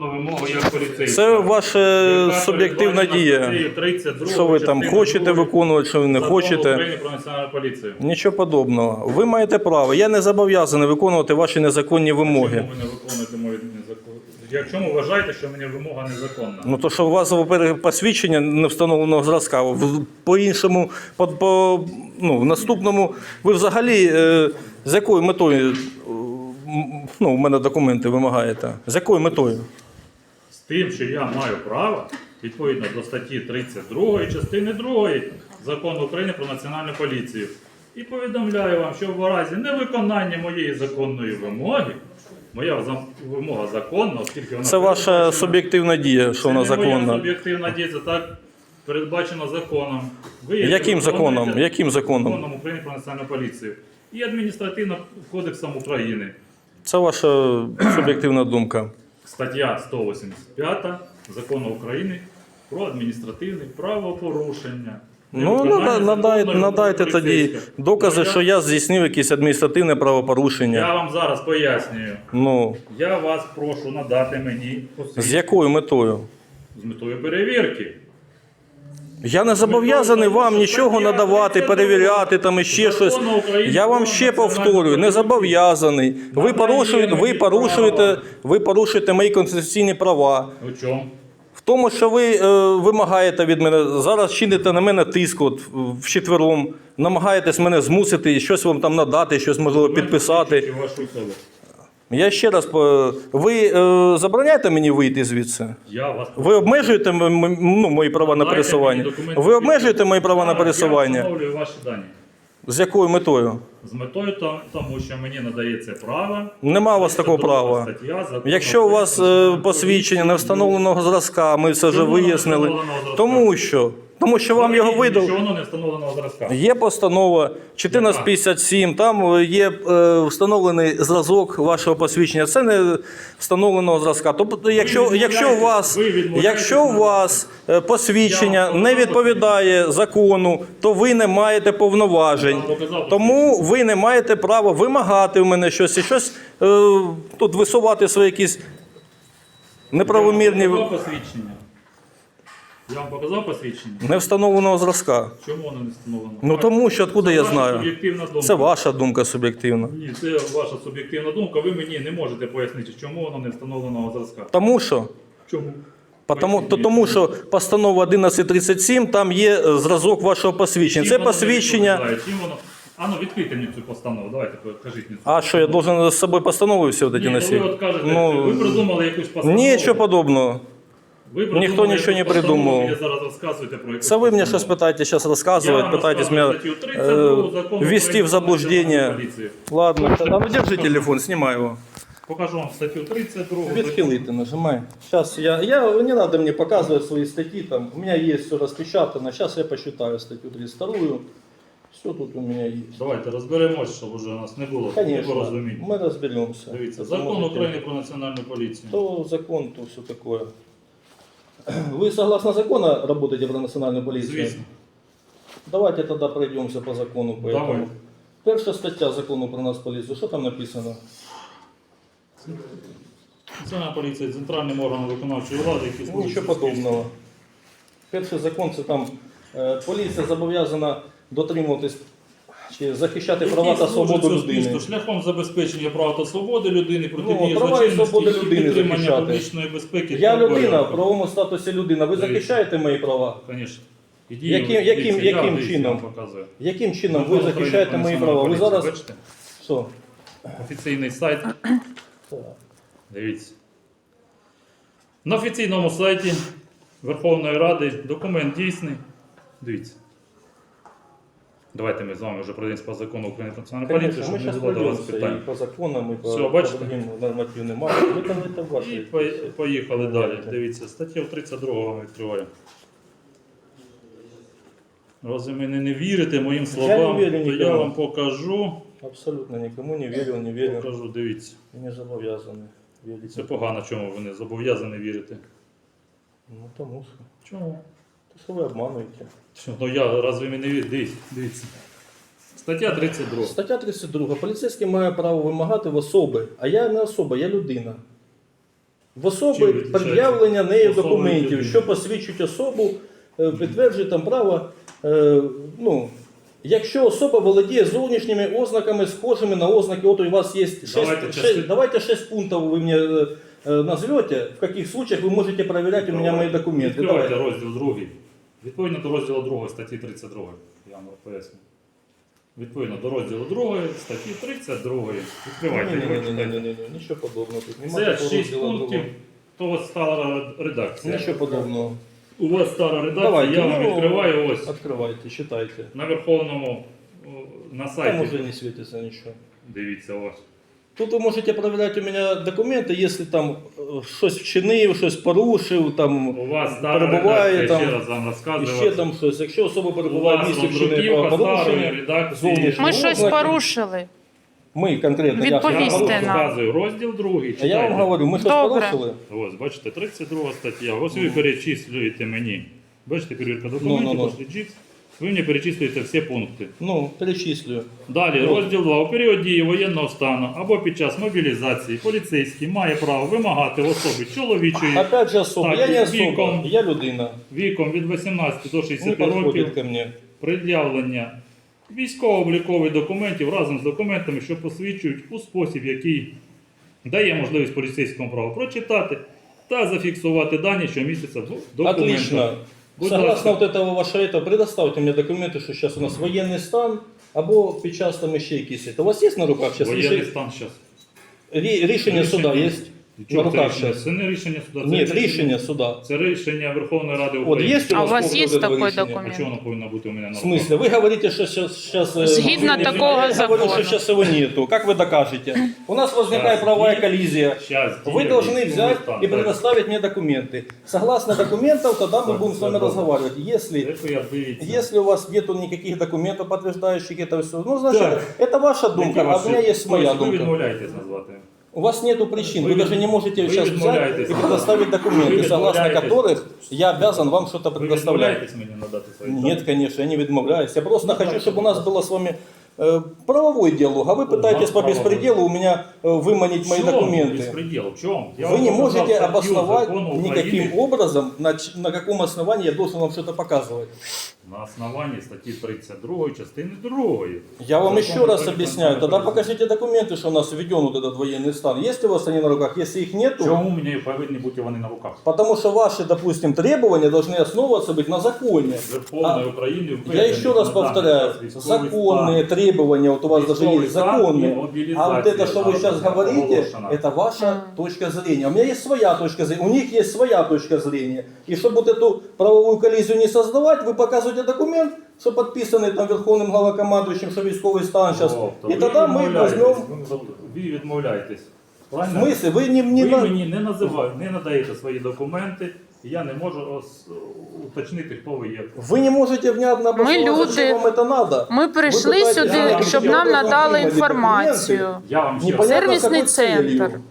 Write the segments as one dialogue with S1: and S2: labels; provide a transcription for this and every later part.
S1: Вимогу як поліцейського.
S2: Це ваша суб'єктивна дія. Що ви там хочете виконувати, що ви не хочете.
S1: України про національну поліцію.
S2: Нічого подобного. Ви маєте право. Я не зобов'язаний виконувати ваші незаконні вимоги.
S1: Чому ви не виконуєте мої незаконні? Якщо ви вважаєте, що мені вимога незаконна?
S2: Ну то, що у вас, во-первых, посвідчення не встановленого зразка. По-іншому, в наступному, ви взагалі з якою метою, у мене документи вимагаєте? З якою метою?
S1: З тим, що я маю право, відповідно до статті 32 частини 2 Закону України про національну поліцію. І повідомляю вам, що в разі невиконання моєї законної вимоги, моя вимога законна, оскільки вона...
S2: Це ваша суб'єктивна дія, що вона законна.
S1: Це не моя суб'єктивна дія, це так передбачено законом.
S2: Яким законом? Яким законом?
S1: Законом України про національну поліцію. І адміністративним кодексом України.
S2: Це ваша суб'єктивна думка.
S1: Стаття 185 Закону України про адміністративне правопорушення.
S2: Надайте тоді докази, що я здійснив якесь адміністративне правопорушення.
S1: Я вам зараз пояснюю. Я вас прошу надати мені посвідчення.
S2: З якою метою?
S1: З метою перевірки.
S2: Я не зобов'язаний вам нічого надавати, перевіряти там і ще щось. Я вам ще повторюю, не зобов'язаний. Ви порушуєте мої конституційні права.
S1: У чому?
S2: В тому, що ви вимагаєте від мене, зараз чините на мене тиск вчетвером, намагаєтесь мене змусити, щось вам там надати, щось можливо підписати. Я ще раз, ви забороняєте мені вийти звідси? Ви обмежуєте мої права на пересування? Ви обмежуєте мої права на пересування?
S1: Я встановлюю ваші дані.
S2: З якою метою?
S1: З метою тому, що мені надається право.
S2: Нема у вас такого права. Якщо у вас посвідчення не встановленого зразка, ми це вже вияснили. Тому що вам його видали.
S1: Що воно не встановленого зразка.
S2: Є постанова 1457, там є встановлений зразок вашого посвідчення. Це не встановленого зразка. Тобто, якщо у вас посвідчення не відповідає закону, то ви не маєте повноважень. Тому ви не маєте права вимагати у мене щось і щось тут висувати свої якісь неправомірні...
S1: Я вам показав посвідчення?
S2: Не встановленого зразка.
S1: Чому воно не встановлено?
S2: Тому що, откуда я знаю?
S1: Суб'єктивна
S2: Це ваша думка суб'єктивна.
S1: Ні, це ваша суб'єктивна думка. Ви мені не можете пояснити, чому воно не встановленого зразка.
S2: Тому що?
S1: Чому?
S2: Тому що постанова 1137, там є зразок вашого посвідчення. Це посвідчення...
S1: Відкрийте мені цю постанову, давайте покажіть мені.
S2: А що, я должен з собою постанови всі от ці носити?
S1: Ви от кажете, ви придумали якусь постанову.
S2: Нічого подобного. Ніхто нічого не придумав. Це ви мені щось питаєте, зараз розказувати, питаєтесь мене ввести в заблуждення. Ладно, держи телефон, знімай його.
S1: Покажу вам статтю 32.
S2: Відхилити нажимай. Сейчас не надо мне показывать свои статьи, там, у меня есть все распечатано, сейчас я посчитаю статтю 32. Все тут у меня есть.
S1: Давайте розберемось, щоб уже у нас не було порозумінь.
S2: Мы разберемся.
S1: Дивіться, закон України про національну поліцію.
S2: То закон, то все такое. Вы согласно закону работаете про национальную полицию?
S1: Звісно.
S2: Давайте тогда пройдемся по закону.
S1: Давай.
S2: Перша стаття закону про нас поліцію, що там написано?
S1: Національна поліція центральним органом виконавчої влади, який служить...
S2: Нічого подобного. Перший закон, це там поліція зобов'язана дотримуватись чи захищати права та свободу людини.
S1: Шляхом забезпечення прав та свободи людини, протидії
S2: права і свободи
S1: злочинності,
S2: людини
S1: підтримання
S2: захищати.
S1: публічної безпеки.
S2: Я людина, в правовому статусі людина. Ви захищаєте мої права?
S1: Звісно.
S2: Яким чином? Яким чином ви захищаєте мої права? Ви зараз...
S1: Бачите?
S2: Що?
S1: Офіційний сайт. Дивіться. На офіційному сайті Верховної Ради документ дійсний. Дивіться. Давайте ми з вами вже пройдемось по закону України про національну поліцію, щоб не було до вас питань.
S2: І по законам, і по другим нормативним актам.
S1: І поїхали далі. Дивіться, статтю 32 вам відкриваю. Разве ви не вірите моїм словам, то я вам покажу.
S2: Абсолютно нікому не вірю, не вірю.
S1: Покажу, дивіться.
S2: Я не зобов'язаний вірити.
S1: Це погано, чому ви не зобов'язані вірити.
S2: Тому що.
S1: Чому?
S2: То що ви обмануєте.
S1: Разве ви не вірите? Дивіться. Стаття 32.
S2: Стаття 32. Поліцейський має право вимагати в особи, а я не особа, я людина. В особи
S1: Чим відрізняється
S2: пред'явлення нею
S1: особа
S2: документів,
S1: від
S2: що посвідчують особу, підтверджує там право. Ну, якщо особа володіє зовнішніми ознаками, схожими на ознаки, от у вас є 6, давайте 6 пунктів ви мені назвете, в яких случаях ви можете перевіряти у мене мої документи.
S1: Відкривайте
S2: Давайте.
S1: розділ 2. Відповідно до розділу 2 статті 32. Я вам поясню. Відповідно до розділу 2 статті 32. Відкривайте.
S2: Ні, нічого подобного тут. Немає
S1: Це
S2: такого
S1: 6
S2: розділу
S1: пунктів.
S2: другого.
S1: То у вас стара редакція.
S2: Нічого подобного.
S1: У вас стара редакція,
S2: Давайте,
S1: я вам
S2: ну,
S1: відкриваю ось
S2: Відкривайте, читайте.
S1: на Верховному на
S2: Там
S1: сайті.
S2: уже не світиться нічого.
S1: Дивіться ось.
S2: Тут ви можете перевіряти у мене документи, якщо там щось вчинив, щось порушив, там
S1: У вас стара
S2: перебуває
S1: редакція,
S2: там,
S1: ще раз вам
S2: і
S1: розказую.
S2: ще там щось. Якщо особа
S1: У
S2: перебуває в
S1: вас
S2: місці вчинення
S1: роздруківка старої
S2: правопорушення,
S1: редакції.
S2: зовнішньої
S3: Ми щось
S2: ознаки,
S3: порушили.
S2: Ми конкретно.
S1: Я
S3: Відповісти
S1: вам
S3: нам.
S1: розказую розділ 2.
S2: А я вам говорю, ми щось
S3: Добре.
S2: порушили.
S1: Ось, бачите, 32 стаття. Ось ви перечислюєте мені. Бачите, перевірка документів,
S2: Ну.
S1: пошли джипс. Ви мені перечислюєте всі пункти.
S2: Ну, перечислюю.
S1: Далі, розділ 2. У період дії воєнного стану або під час мобілізації поліцейський має право вимагати в особи чоловічої
S2: Опять же особа.
S1: Так,
S2: Я не
S1: віком.
S2: особа, я людина.
S1: віком від 18 до
S2: Не
S1: 60
S2: підходить
S1: років
S2: ко мне.
S1: пред'явлення військово-облікових документів разом з документами, що посвідчують у спосіб, який дає можливість поліцейському праву прочитати та зафіксувати дані, що містяться в документах.
S2: Отлично.
S1: Будь
S2: Согласно
S1: ласка.
S2: вот этого вашего этого, предоставьте мне документы, что сейчас у нас военный стан, або під час там ще якісь. У вас є на руках зараз
S1: Воєнний стан зараз.
S2: рішення суда є? На руках зараз?
S1: Це не рішення суда.
S2: Ні,
S1: це
S2: рішення суда.
S1: Це рішення Верховної Ради
S2: От
S1: України.
S2: є
S3: А у вас
S2: поводу
S3: є
S2: этого
S3: такий
S2: рішення?
S3: документ?
S1: А чого воно повинно бути у мене на
S2: В
S1: руках?
S2: смысле? Вы говорите, что сейчас...
S3: Згідно такого
S2: Я говорю, что
S3: закону.
S2: сейчас его нету. Как вы докажете? У нас возникает
S1: Щас
S2: правовая
S1: є.
S2: коллизия.
S1: Щас
S2: Вы
S1: є
S2: должны
S1: військовий
S2: взять
S1: стан,
S2: и
S1: так.
S2: предоставить мне документы. Согласно документам, тогда мы
S1: Так,
S2: будем с вами
S1: добре.
S2: разговаривать. Если
S1: Це я дивіться.
S2: Если у вас нету никаких документов, подтверждающих это все, ну, значит,
S1: Так.
S2: это ваша думка, а у меня есть моя
S1: Тобто ви
S2: думка.
S1: відмовляєтесь назвати.
S2: У вас нету причин,
S1: Вы
S2: вы даже не можете
S1: вы
S2: сейчас взять
S1: відмовляєтесь.
S2: и предоставить документы,
S1: Вы
S2: согласно
S1: відмовляєтесь.
S2: которых я обязан вам что-то
S1: Ви
S2: предоставлять.
S1: відмовляєтесь мені надати свої
S2: Нет, конечно, я не відмовляюсь. Я просто
S1: Ну,
S2: хочу,
S1: так,
S2: чтобы у нас было с вами правовой диалог, а вы пытаетесь
S1: нас
S2: по
S1: правовой.
S2: беспределу у меня выманить мои документы.
S1: Беспредел. В чем? Я
S2: Вы
S1: вам
S2: не
S1: показал
S2: можете
S1: статью
S2: обосновать
S1: Закона Украины
S2: никаким образом, на каком основании я должен вам что-то показывать.
S1: на основании статьи 32 частины 2.
S2: Я вам
S1: Закон
S2: еще раз
S1: Украины
S2: объясняю. Тогда
S1: про-
S2: покажите документы, что у нас введен вот этот военный стан. Есть у вас они на руках? Если их нету,
S1: Чому мені повинні бути вони на руках?
S2: потому что ваши, допустим, требования должны основываться быть на законе.
S1: Верховної України
S2: Я еще раз повторяю, законные требования, вот у вас даже
S1: Військовий
S2: есть
S1: стан і
S2: законные.
S1: мобілізація
S2: А вот это, что вы сейчас
S1: зараз
S2: говорите,
S1: оголошена.
S2: это ваша точка зрения. У меня есть своя точка зрения, у них есть своя точка зрения. И чтобы вот эту правовую коллизию не создавать, вы показываете документ, что подписанный там Верховным главнокомандующим, что військовый стан сейчас. И тогда мы возьмем...
S1: Ви відмовляєтесь.
S2: В
S1: Правильно?
S2: смысле? Вы не
S1: Ви
S2: на-
S1: мені не називаєте, не надаєте свої документи, і я не можу уточнити, хто ви є.
S2: Вы не можете внятно обосновать,
S3: люди.
S2: зачем вам это надо.
S3: Ми прийшли
S2: Ви
S3: сюди,
S2: питаєте,
S3: щоб
S2: я
S3: нам
S2: вам
S3: надали
S2: отримали
S3: інформацію.
S1: Я вам ще раз.
S2: Непонятно,
S3: Сервисный
S2: с какой целью.
S3: центр.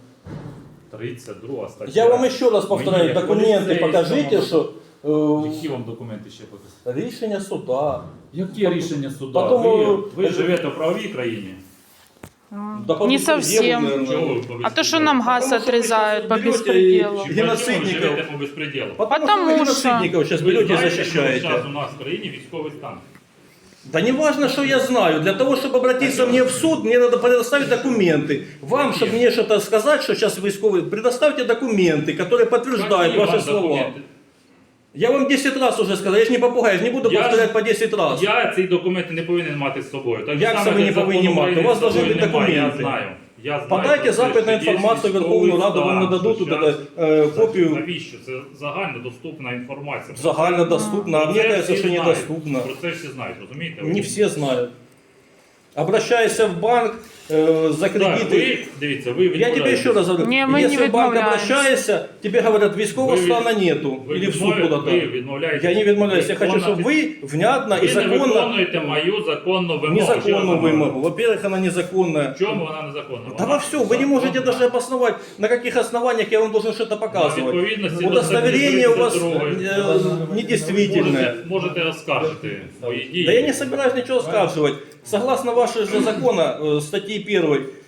S1: 32 стаття.
S2: Я вам еще раз повторяю,
S1: Мені
S2: документы
S1: поліцейському-
S2: покажите, что
S1: Які вам документи ще показати?
S2: рішення суда.
S1: Яке рішення суда?
S2: Потім,
S1: ви живете в правовій країні?
S2: Да по
S3: Не
S2: беспределу,
S3: совсем.
S2: наверное.
S1: Чого ви по
S3: А то,
S1: безпределу?
S3: что нам газ
S2: Потому что вы
S3: отрезают по
S2: сейчас берете
S3: беспределу.
S2: и-
S1: Чи почему ви
S2: геноцидников.
S1: живете по безпределу?
S2: Потому,
S3: Потому
S2: что вы
S3: что-
S2: геноцидников сейчас
S1: Ви
S2: берете и
S1: знаєте, що
S2: защищаете.
S1: зараз у нас в країні військовий стан?
S2: Да не важно, что я знаю. Для того, чтобы обратиться мне в суд, мне надо предоставить документы. Вам, чтобы мне что-то сказать, что сейчас войсковые, предоставьте документы, которые подтверждают
S1: Які
S2: ваши
S1: вам
S2: слова.
S1: документи?
S2: Я вам 10 раз уже сказал, я же не попугай, я же не буду
S1: Я-
S2: повторять по 10 раз.
S1: Я ці документи не повинен мати з собою. Так
S2: Як
S1: само,
S2: це ви не
S1: як закон
S2: повинні мати?
S1: України
S2: У вас
S1: з собою
S2: должны бути
S1: немає,
S2: документи.
S1: Я знаю. Я знаю
S2: Подайте
S1: про це,
S2: запит на
S1: що є
S2: інформацію в Верховну
S1: військовий
S2: Раду, вам
S1: стан,
S2: нададуть
S1: що
S2: туди
S1: щас-
S2: копію
S1: Навіщо? Це загальнодоступна інформація.
S2: загальнодоступно, а
S1: Про
S2: мне
S1: це
S2: кажется,
S1: всі
S2: что
S1: знають.
S2: недоступно.
S1: Про це всі знають, розумієте?
S2: Не все знают. Обращайся в банк за
S1: Так,
S2: кредиты.
S1: ви, дивіться, ви
S2: Я тебе
S1: відмовляєтесь.
S2: еще раз говорю,
S3: Не, мы
S2: если
S3: не
S2: в банк
S3: відмовляємось.
S2: обращаешься, тебе говорят, військового
S1: Ви від-
S2: стана нету,
S1: ви
S2: или в суд
S1: відмовляєтесь-
S2: куда-то.
S1: ви відмовляєтесь.
S2: Я не відмовляюсь, я хочу, чтобы вы внятно и
S1: Ви не
S2: законно,
S1: виконуєте мою законну вимогу. Ще раз
S2: незаконную
S1: говорю.
S2: вымогу. Во-первых, она незаконная.
S1: В чому вона незаконна?
S2: Да во все, вы не можете даже обосновать, на каких основаниях я вам должен что-то показывать.
S1: відповідності до
S2: Удостоверение у вас
S1: 32-ї.
S2: недействительное.
S1: Можете оскаржити свої дії.
S2: Да я не собираюсь ничего скаживать. Согласно вашего же закона, статьи 1,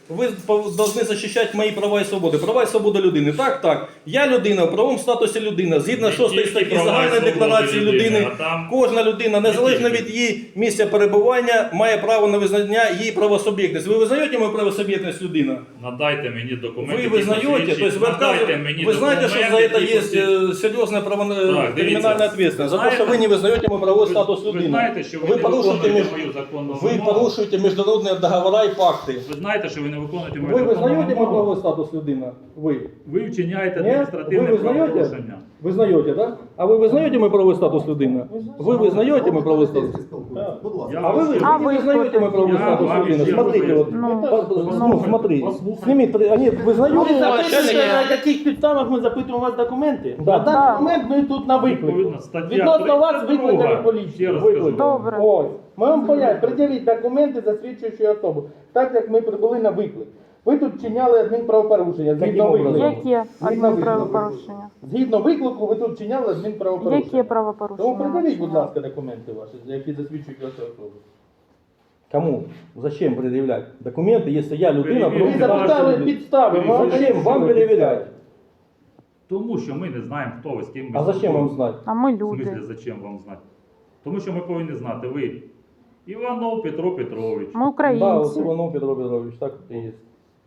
S2: ви повинні захищати мої права і свободи. Права і свободи людини. Так. Я людина, в правовому статусі людина. Згідно
S1: Не
S2: 6
S1: тільки
S2: статті
S1: права і
S2: Загальної
S1: свободи
S2: декларації людини,
S1: а там
S2: кожна людина, незалежно
S1: тільки.
S2: від її місця перебування, має право на визнання її правосуб'єктності. Ви визнаєте мою правосуб'єктність людина?
S1: Надайте мені документи.
S2: Вы
S1: які
S2: вызнаете,
S1: посвідчать-
S2: то есть вы
S1: надайте
S2: отказываете,
S1: мені
S2: вы знаете, что за это
S1: документи,
S2: есть
S1: які
S2: серьезная
S1: Так, дивіться.
S2: криминальная ответственность, за то,
S1: Знаєте-
S2: что вы не вызнаете мой правовой статус
S1: Ви
S2: людини.
S1: знаєте, що ви
S2: Ви
S1: не
S2: порушуєте
S1: виконуєте мою законну
S2: Вы
S1: вимогу.
S2: порушуєте международные договора и факты.
S1: Ви знаєте, що ви не виконуєте мою
S2: Вы
S1: законну
S2: вызнаете мой
S1: вимогу.
S2: правовой статус людина? Вы?
S1: Ви вчиняєте
S2: Нет?
S1: адміністративне
S2: Вы вызнаете?
S1: правопорушення.
S2: Вызнаете, да? А вы вызнаете мой правовой статус людина? Вы вызнаете мой правовой статус?
S1: Я
S2: А вы,
S1: вас-
S2: вы не вызнаете мой правовой
S1: Я
S2: статус
S1: вам
S2: людина?
S1: ще
S2: Смотрите, вот,
S1: говорю.
S2: смотри, сними, они
S3: Ми
S2: вызнаете?
S3: запитуємо, на яких підставах ми запитуємо у вас документи.
S2: Да.
S3: На даний момент ми тут на виклик.
S1: Відповідно, стаття
S3: Відносно вас
S1: 32.
S3: викликали
S1: Ще
S3: поліцію.
S1: раз
S2: Виклик.
S1: кажу.
S4: Добре.
S3: Ось. Ми вам пояснюємо, пред'явіть документи, засвідчуючи особу. Так як ми прибули на виклик. Ви тут вчиняли адмінправопорушення. Згідно
S2: Яким образом?
S3: виклику.
S4: Яке
S3: Згідно
S4: адмінправопорушення?
S3: Згідно виклику ви тут вчиняли адмінправопорушення.
S4: Яке
S3: Тому
S4: правопорушення?
S3: пред'явіть, будь ласка, документи ваші, які засвідчують вашу особу.
S2: Кому? Зачем предъявлять документы, если я людина?
S1: Перевірте.
S3: Ви запитали підстави. ми вам
S2: Зачем вам
S3: пояснили
S2: перевіряти?
S3: підстави.
S1: Тому що ми не знаємо, хто ви, з ким ми
S2: А зачем вам
S1: спілкуємося.
S2: знать?
S4: А ми
S1: В смислі,
S4: люди.
S1: зачем вам знати? Тому що ми повинні знати, ви Іванов Петро Петрович.
S4: Ми
S2: Да, вот
S4: українці.
S2: Иванов Петро Петрович, так и есть.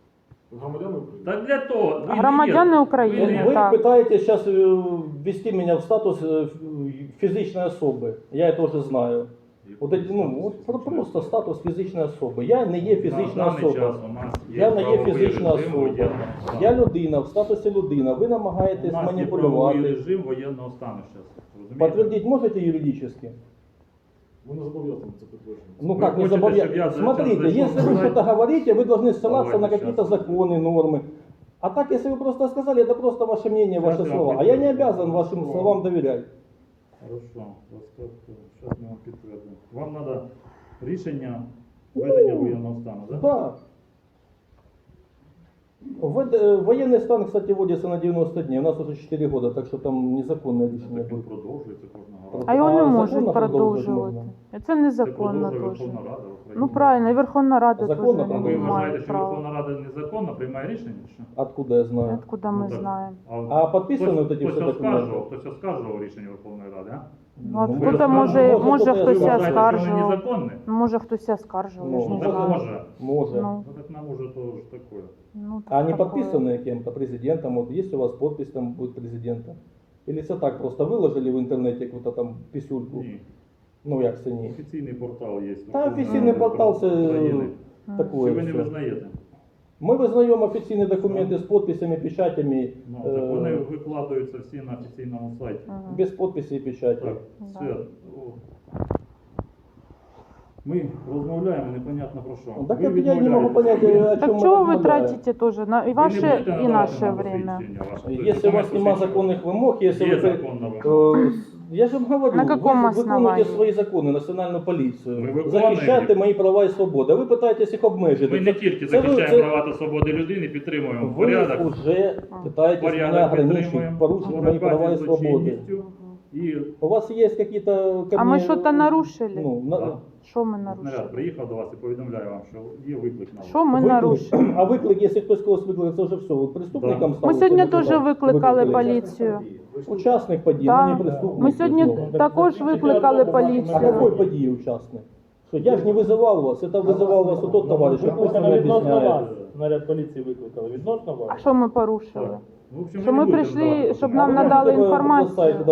S1: Так для того, ви
S4: Громадяни
S1: не є-
S4: України,
S1: ви не-
S2: Вы
S4: так.
S2: пытаетесь сейчас ввести меня в статус физичной особы. Я это уже знаю. Вот эти, ну, вот просто статус фізичної особи. Я не є
S1: На
S2: фізична
S1: даний
S2: особа.
S1: час у нас
S2: Я не є
S1: правовий
S2: фізична
S1: режим
S2: особа.
S1: воєнного стану.
S2: Я людина, в статусі людина. Ви
S1: У
S2: намагаєтесь
S1: нас є правовий
S2: маніпулювати.
S1: режим воєнного стану зараз. Розумієте?
S2: Подтвердить можете юридически?
S5: Ми не зобов'язані це підтвердження.
S2: Ну
S1: Вы
S2: как, не
S1: хотите,
S2: забавляйте.
S1: чтобы я за-
S2: Смотрите,
S1: зашел
S2: если вы
S1: сказать?
S2: что-то говорите, вы должны ссылаться
S1: Давайте
S2: на какие-то
S1: сейчас.
S2: законы, нормы. А так, если вы просто сказали, это просто ваше мнение,
S1: Сейчас
S2: ваши
S1: я вам
S2: слова. А я не
S1: подтвержу.
S2: обязан вашим
S1: Хорошо.
S2: словам доверять.
S1: Хорошо, зараз ми вам підтвердимо. Вам треба рішення введення воєнного стану, так?
S2: Да. Военный стан, кстати, вводится на 90 дней. У нас уже 4 года, так что там незаконное решение
S1: Так він
S2: будет.
S1: продовжується кожного разу.
S4: А його не
S2: А
S4: можуть
S2: законно продовжувати
S4: продовжувати.
S2: можна?
S4: Це
S1: Це
S4: незаконно
S1: продовжує
S4: теж.
S1: Верховна Рада України.
S4: Ну правильно, і Верховна Рада теж
S2: Законно
S1: А ви
S4: не
S1: вважаєте,
S4: має
S1: що
S4: права.
S1: Верховна Рада незаконно приймає рішення? чи Що?
S2: Откуда я знаю?
S4: Откуда ми
S1: Ну, так.
S4: знаємо?
S2: А підписані
S1: хтось-
S2: от ці
S1: хтось
S2: всі
S1: оскаржував,
S2: документи?
S1: хтось оскаржував рішення Верховної Ради, а?
S4: Ну, откуда
S1: ви
S4: може
S1: може,
S4: хтось
S1: Ви
S4: і
S1: вважаєте, що вони
S4: оскаржував?
S1: незаконні?
S4: Може хтось і оскаржував, я ж
S2: Ну,
S4: не
S1: Так
S4: знаю.
S1: може.
S2: Может.
S4: Ну,
S1: Ну так нам уже тоже такое.
S4: ну,
S2: А они
S4: таке.
S2: подписаны кем-то, президентом? Вот есть у вас подпись там будет президента? Или все так просто выложили в интернете какую-то там писюльку?
S1: Ні.
S2: Ну як це ні?
S1: Офіційний портал є.
S2: Та офіційний портал це
S1: України.
S2: такое
S1: Чи ви не
S2: все.
S1: визнаєте?
S2: Ми визнаємо офіційні документи з підписами, печатями,
S1: Ну, так вони викладаються всі на офіційному сайті.
S4: Мгм.
S2: без підписі і печаті.
S1: Так,
S4: Да.
S1: все. О. Ми розмовляємо непонятно про що.
S2: Так
S1: Ви
S2: это я не могу
S1: відмовляєтесь.
S2: понять, о
S4: Так
S2: чем мы
S4: чего вы
S2: размовляем.
S4: тратите тоже на и
S1: Ви не
S4: ваше,
S1: будете
S4: и
S1: надавати
S4: наше
S1: нам
S4: время?
S1: посвідчення ваше.
S2: Если у вас нема законных вымог, если
S1: Є
S2: вы...
S1: законна вимога.
S2: Я же вам говорю,
S4: На каком
S2: вы
S4: основании?
S2: виконуєте свої закони, національну поліцію,
S1: Ви виконуєте.
S2: захищаєте мої права і свободи, а ви питаєтесь їх обмежити.
S1: Ми не тільки
S2: це ви-
S1: захищаємо
S2: це-
S1: права та свободи людини, підтримуємо
S2: Ви
S1: порядок,
S2: вже питаєтесь мене
S1: порядок
S2: ограничити,
S1: підтримуємо,
S2: порушити мої права і
S1: боротьба зі
S2: свободи.
S1: злочинністю. І
S2: У вас є какие-то... ко
S4: А
S2: мне,
S4: мы что-то нарушили?
S2: Ну,
S1: Да.
S4: Що ми
S1: наряд
S4: нарушили?
S1: приїхав до вас і повідомляю вам, що є виклик на вас.
S4: Що ми
S2: виклик.
S4: нарушили?
S2: А виклик, якщо хтось когось викликає, це вже все. Ви преступником
S1: Да.
S2: стали?
S4: Ми сьогодні
S2: чи не
S4: теж
S2: туди?
S4: викликали поліцію.
S2: Учасник події,
S4: Да.
S2: ну не преступник.
S4: Ми сьогодні
S2: Ну.
S4: також викликали
S2: А какой
S4: поліцію.
S2: події учасник? Що я ж не визивав вас, це визивав вас тот товариш, що пусть
S3: Викликано
S2: не
S3: відносно вас.
S2: об'ясняє.
S3: Наряд поліції викликали. Відносно вас.
S4: А що ми порушили?
S1: Ну, в общем,
S4: Що
S1: ви не
S4: ми
S1: будете
S4: прийшли,
S1: надавати
S4: щоб
S1: документи.
S4: нам надали
S2: Можете
S4: інформацію?
S2: сайт